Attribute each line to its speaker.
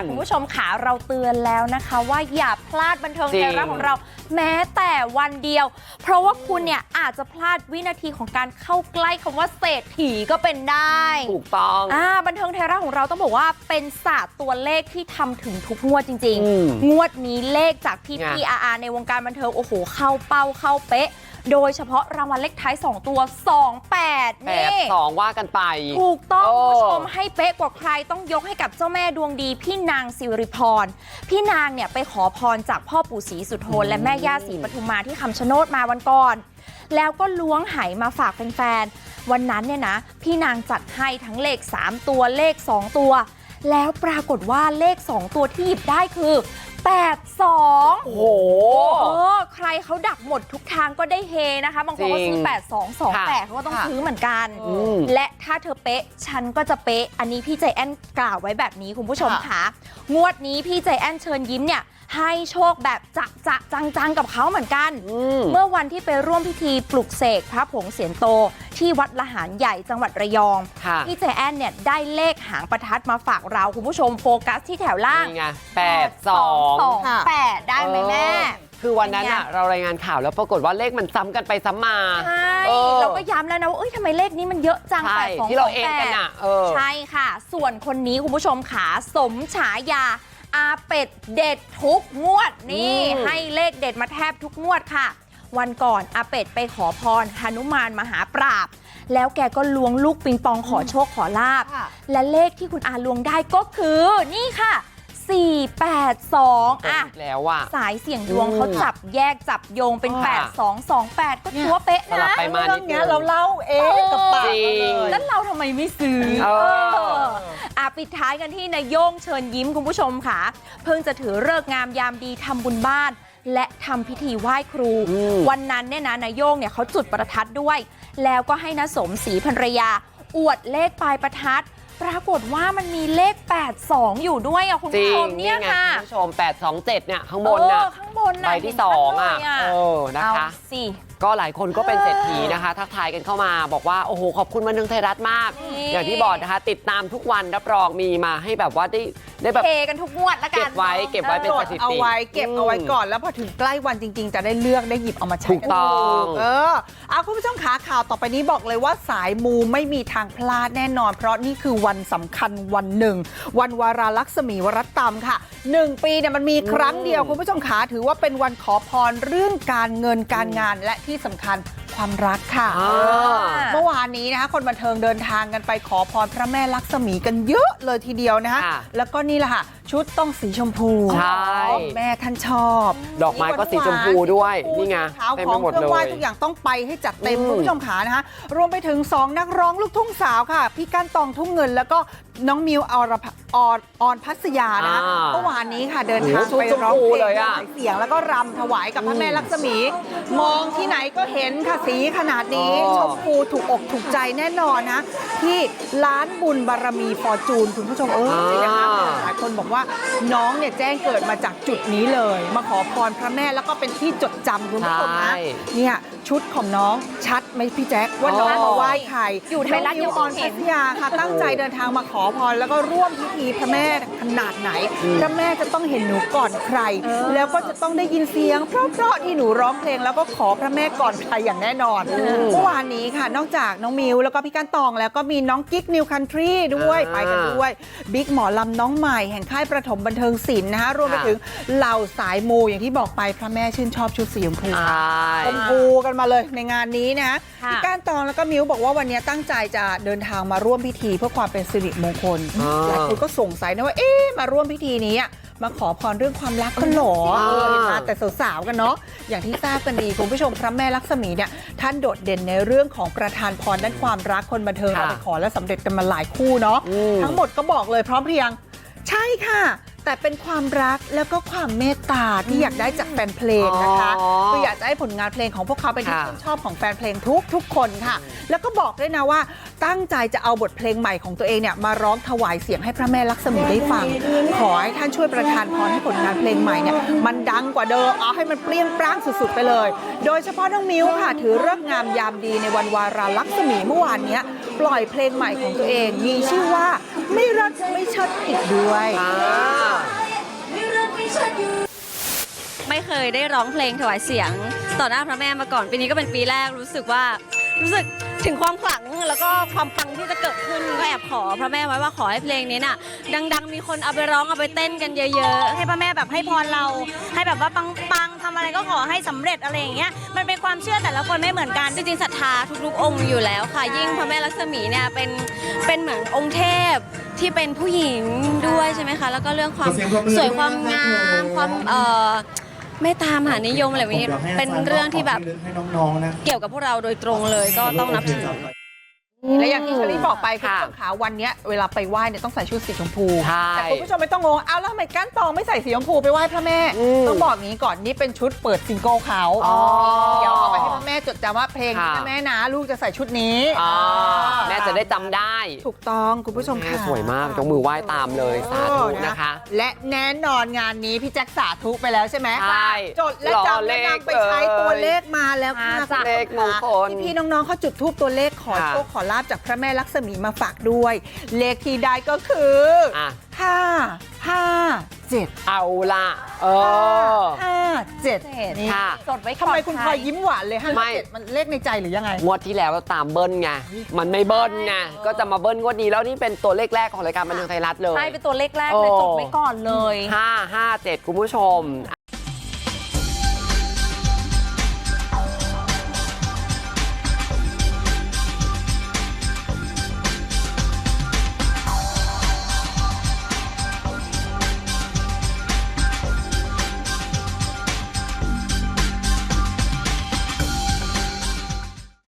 Speaker 1: คุณผู้ชมขาเราเตือนแล้วนะคะว่าอย่าพลาดบันเทิงไทยรัฐของเราแม้แต่วันเดียวเพราะว่าคุณเนี่ยอาจจะพลาดวินาทีของการเข้าใกล้คำว่าเศรษฐีก็เป็นได้
Speaker 2: ถูกต้อง
Speaker 1: บันเทิงไทยรัฐของเราต้องบอกว่าเป็นศาสตร์ตัวเลขที่ทำถึงทุกงวดจริงๆงวดนี้เลขจากพี่ในวงการบันเทิงโอ้โหเข้าเป้าเข้าเป๊ะโดยเฉพาะรางวัลเลขท้าย2ตัว28นี่
Speaker 2: 82ว่ากันไป
Speaker 1: ถูกต้องคุณผู้ชมให้เป๊ะกว่าใครต้องยกให้กับเจ้าแม่ดวงดีพี่นางสิริพรพี่นางเนี่ยไปขอพรจากพ่อปู่ศรีสุโธและแม่ย่าศรีปทุมมาที่คำชะโนดมาวันก่อนแล้วก็ล้วงไหมาฝากแฟนๆวันนั้นเนี่ยนะพี่นางจัดให้ทั้งเลข3ตัวเลข2ตัวแล้วปรากฏว่าเลข2ตัวที่หยิบได้คือ82
Speaker 2: โอ้โห
Speaker 1: ใครเขาดักหมดทุกทางก็ได้เฮนะคะบางคนก็ซื้อ8228เขาก็ต้องซื้อเหมือนกันและถ้าเธอเป๊ะฉันก็จะเป๊ะอันนี้พี่ใจแอนกล่าวไว้แบบนี้คุณผู้ชมค่ะงวดนี้พี่ใจแอนเชิญยิ้มเนี่ยให้โชคแบบจะจังกับเขาเหมือนกันเมื่อวันที่ไปร่วมพิธีปลุกเสกพระผงเสียนโตที่วัดละหารใหญ่จังหวัดระยองพี่ใจแอนเนี่ยได้เลขหางประทัดมาฝากเราคุณผู้ชมโฟกัสที่แถวล่าง
Speaker 2: นี่ไง8228
Speaker 1: ได้ไหมแม่
Speaker 2: คือวันนั้นอะเรารายงานข่าวแล้วปรากฏว่าเลขมันซ้ำกันไปซ้ำมา
Speaker 1: ใช่เราก็ย้ำแล้วนะว่าทำไมเลขนี้มันเยอะจัง8228
Speaker 2: ที่เราเองกันอะ
Speaker 1: ใช่ค่ะส่วนคนนี้คุณผู้ชมขาสมฉายาอาเป็ดเด็ดทุกงวดนี่ให้เลขเด็ดมาแทบทุกงวดค่ะวันก่อนอาเป็ดไปขอพรหนุมานมหาปราบแล้วแกก็ล้วงลูกปิงปองขอโชคขอลาบและเลขที่คุณอาล้วงได้ก็คือนี่ค่ะ482
Speaker 2: แล้ว
Speaker 1: สายเสี่ยงดวงเขาจับแยกจับโยงเป็น8228ก็ถือว่าเป๊ะนะ
Speaker 2: ไปมานิดนึง
Speaker 3: เราเล่ากับปาก
Speaker 1: แล้วเราทำไมไม่ซื้อปิดท้ายกันที่นายโย่งเชิญยิ้มคุณผู้ชมค่ะเพิ่งจะถือฤกษ์งามยามดีทำบุญบ้านและทำพิธีไหว้ครูวันนั้นเนี่ยนะนายโย่งเนี่ยเขาจุดประทัดด้วยแล้วก็ให้น้าสมศรีภรรยาอวดเลขปลายประทัดปรากฏว่ามันมีเลข82อยู่ด้วยคุณผู้ชมเนี่ยค่ะ
Speaker 2: คุณผู้ชม827เนี่ยข้างบนน่ะใบที่2นะคะก็หลายคนก็เป็นเศรษฐีนะคะทักทายกันเข้ามาบอกว่าโอ้โหขอบคุณบันเทิงไทยรัฐมากอย่างที่บอกนะคะติดตามทุกวันรับรองมีมาให้แบบว่าได้แบบ
Speaker 1: เทกันทุกงวดละกัน
Speaker 2: เก็บไว้เป็นสถิติ
Speaker 3: เอาไว้เก็บเอาไว้ก่อนแล้วพอถึงใกล้วันจริงๆจะได้เลือกได้หยิบเอามาใช้
Speaker 2: ถูกต้อง
Speaker 3: คุณผู้ชมขาข่าวต่อไปนี้บอกเลยว่าสายมูไม่มีทางพลาดแน่นอนเพราะนี่คือวันสำคัญวันหนึ่งวันวาราลักษมีวรตำค่ะ1 ปีเนี่ยมันมีครั้งเดียวคุณผู้ชมขาถือว่าเป็นวันขอพรเรื่องการเงินการงานและที่สำคัญความรักค่ะเมื่อวานนี้นะคะคนบันเทิงเดินทางกันไปขอพรพระแม่ลักษมีกันเยอะเลยทีเดียวนะคะแล้วก็นี่แหละค่ะชุดต้องสีชมพูแม่ท่านชอบ
Speaker 2: ดอกไม้ก็สีชมพูด้วยนี่ไง
Speaker 3: เต็มไปหมดเลยทุกอย่างต้องไปให้จัดเต็มคุณผู้ชมขานะคะรวมไปถึง2นักร้องลูกทุ่งสาวค่ะพี่ก้านตองทุ่งเงินแล้วก็น้องมิวออนพัสยานะเมื่อวานนี้ค่ะเดินทางไปร้องเพลงเสียงแล้วก็รำถวายกับพระแม่ลักษมีมองที่ไหนก็เห็นค่ะสีขนาดนี้ชมพูถูกอกถูกใจแน่นอนนะที่ร้านบุญบารมีฟอร์จูนคุณผู้ชมนะคะหลายคนบอกว่าน้องเนี่ยแจ้งเกิดมาจากจุดนี้เลยมาขอพรพระแม่แล้วก็เป็นที่จดจำคุณผู้ชมนะเนี่ยชุดของน้องชัดไหมพี่แจ๊คว่าน้องมาไหว้ใคร
Speaker 1: อยู่ไทยรัฐนิวออน
Speaker 3: พัทยาค่ะตั้งใจเดินทางมาขอพรแล้วก็ร่วมพิธีพระแม่ขนาดไหนพระแม่จะต้องเห็นหนูก่อนใครแล้วก็จะต้องได้ยินเสียงเพราะๆที่หนูร้องเพลงแล้วก็ขอพระแม่ก่อนใครอย่างแน่นอนเมื่อวานนี้ค่ะนอกจากน้องมิวแล้วก็พี่ก้านตองแล้วก็มีน้องกิ๊กนิวคันทรีด้วยไปกันด้วยบิ๊กหมอลำน้องใหม่แห่งค่ายประถมบันเทิงศิลป์นะคะรวมไปถึงเหล่าสายมูอย่างที่บอกไปพระแม่ชื่นชอบชุดสีชมพูชมพูกันมาเลยในงานนี้นะพี่ก้านตองแล้วก็มิวบอกว่าวันนี้ตั้งใจจะเดินทางมาร่วมพิธีเพื่อความเป็นสิริมงคลหลายคนก็สงสัยนะว่ามาร่วมพิธีนี้มาขอพรเรื่องความรักกันหรอมาแต่สาวๆกันเนาะอย่างที่ทราบกันดีคุณผู้ชมพระแม่ลักษมีเนี่ยท่านโดดเด่นในเรื่องของประทานพรด้านความรักคนบันเทิงเราไปขอและสำเร็จกันมาหลายคู่เนาะทั้งหมดก็บอกเลยพร้อมเพรียงใช่ค่ะแต่เป็นความรักแล้วก็ความเมตตาที่อยากได้จากแฟนเพลงนะคะคืออยากจะให้ผลงานเพลงของพวกเขาเป็นที่ชื่นชอบของแฟนเพลงทุกคนค่ะแล้วก็บอกด้วยนะว่าตั้งใจจะเอาบทเพลงใหม่ของตัวเองเนี่ยมาร้องถวายเสียงให้พระแม่ลักษมีได้ฟังขอให้ท่านช่วยประทานพรให้ผลงานเพลงใหม่เนี่ยมันดังกว่าเดิมเอาให้มันเปรี้ยงปร้างสุดๆไปเลยโดยเฉพาะน้องมิวค่ะถือฤกษ์งามยามดีในวันวาราลักษมีเมื่อวานนี้ปล่อยเพลงใหม่ของตัวเองมีชื่อว่าไม่รักไม่เชิดอีกด้วย
Speaker 4: เคยได้ร้องเพลงถวายเสียงต่อหน้าพระแม่มาก่อนปีนี้ก็เป็นปีแรกรู้สึกถึงความขลังแล้วก็ความปังที่จะเกิดขึ้นก็แอบขอพระแม่ไว้ว่าขอให้เพลงนี้น่ะดังๆมีคนเอาไปร้องเอาไปเต้นกันเยอะๆให้พระแม่แบบให้พรเราให้แบบว่าปังๆทำอะไรก็ขอให้สำเร็จอะไรอย่างเงี้ยมันเป็นความเชื่อแต่ละคนไม่เหมือนกันจริงๆศรัทธาทุกๆองค์อยู่แล้วค่ะยิ่งพระแม่ลักษมีเนี่ยเป็นเหมือนองค์เทพที่เป็นผู้หญิงด้วยใช่ไหมคะแล้วก็เรื่องความสวยความงามความเมตตามหานิยมอะไรแบบนี้เป็นเรื่องที่แบบเกี่ยวกับพวกเราโดยตรงเลยก็ต้องนับถือ
Speaker 3: และอย่างที่เชอรี่บอกไปคุณผู้ชมขาวันเนี้ยเวลาไปไหว้เนี่ยต้องใส่ชุดสีชมพู
Speaker 2: ใช่
Speaker 3: แต่คุณผู้ชมไม่ต้องงงเอาแล้วทำไมก้านตองไม่ใส่สีชมพูไปไหว้พระแม่ต้องบอกงี้ก่อนนี่เป็นชุดเปิดซิงเกิลเขาเดี๋ยวเอาไปให้พระแม่จดจำว่าเพลงนี้นะแม่นะลูกจะใส่ชุดนี้
Speaker 2: แม่จะได้จำได้
Speaker 3: ถูกต้องคุณผู้ชม
Speaker 2: แม่
Speaker 3: ค่ะ
Speaker 2: สวยมากยกมือไหว้ตามเลยสาธุนะคะ
Speaker 3: และแน่นอนงานนี้พี่แจ็คสาธุไปแล้วใช่ไหม
Speaker 2: ใช่
Speaker 3: จดและจำและนำไปใช้ตัวเลขมาแล้วค่ะ
Speaker 2: เลขมงคล
Speaker 3: พี่น้องๆเขาจุดธูปตัวเลขขอโชคขอลาบจากพระแม่ลักษมีมาฝากด้วย เลขที่ได้ก็คือ557
Speaker 2: เอาล่ะ
Speaker 3: 57นี่
Speaker 2: ค่ะ
Speaker 1: จดไว้ก่อน
Speaker 3: ทำไมคุณพลอยยิ้มหวานเลย
Speaker 2: ไม่
Speaker 3: 557มันเลขในใจหรือยังไง
Speaker 2: งวดที่แล้วตามเบิ้ลไง มันไม่เบิ้ลไง ก็จะมาเบิ้ลงวดนี้แล้วนี่เป็นตัวเลขแรกของรายการบันเทิงไทยรัฐเลย
Speaker 1: ใช่เป็นตัวเลขแรกเลยจดไว้ก่อนเลย
Speaker 2: 557 คุณผู้ชม